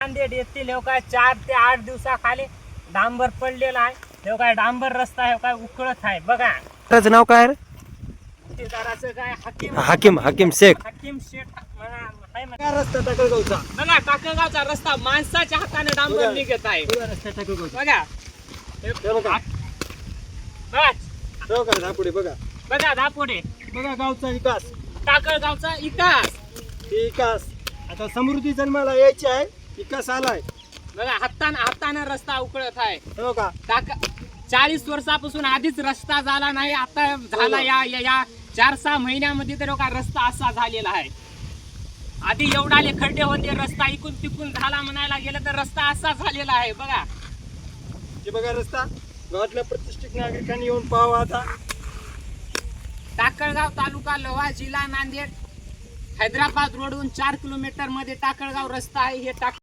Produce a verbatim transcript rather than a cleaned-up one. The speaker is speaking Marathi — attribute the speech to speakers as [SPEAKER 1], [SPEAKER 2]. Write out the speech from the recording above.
[SPEAKER 1] नांदेड येथील हे काय चार ते आठ दिवसाखाली डांबर पडलेला आहे. हे काय डांबर रस्ता आहे काय उकळत आहे बघा.
[SPEAKER 2] त्याचं नाव काय रे?
[SPEAKER 1] ठेकेदाराचं काय हकीम
[SPEAKER 2] हाकीम हाकीम शेख.
[SPEAKER 1] हकीम शेख म्हणा आहे म्हणा. रस्ता टाकळगावचा बघा, टाकळगावचा रस्ता माणसाच्या हाताने डांबर निघत आहे. रस्ता टाकळगावचा बघा. हे बघा बस
[SPEAKER 3] बघा धापुडे बघा
[SPEAKER 1] बघा दापोडे
[SPEAKER 3] बघा गावचा विकास
[SPEAKER 1] टाकळगावचा इतिहास
[SPEAKER 3] हे विकास आता समृद्धी जन्माला यायची आहे. विकास आलाय
[SPEAKER 1] बघा. हाताने हाताने रस्ता उकळत आहे.
[SPEAKER 3] हे बघा
[SPEAKER 1] टाक चाळीस वर्षापासून आधीच रस्ता झाला नाही, आता झाला. या या- या चार सहा महिन्यामध्ये तर का रस्ता असा झालेला आहे. आधी एवढाले खड्डे होते, रस्ता इकून तिकून झाला म्हणायला गेलं तर रस्ता असा झालेला आहे बघा.
[SPEAKER 3] हे बघा रस्ता गावातल्या प्रतिष्ठित नागरिकांनी येऊन पाहावा. आता
[SPEAKER 1] टाकळगाव तालुका लोहा जिल्हा नांदेड हैदराबाद रोडून चार किलोमीटर मध्ये टाकळगाव रस्ता आहे. हे टाक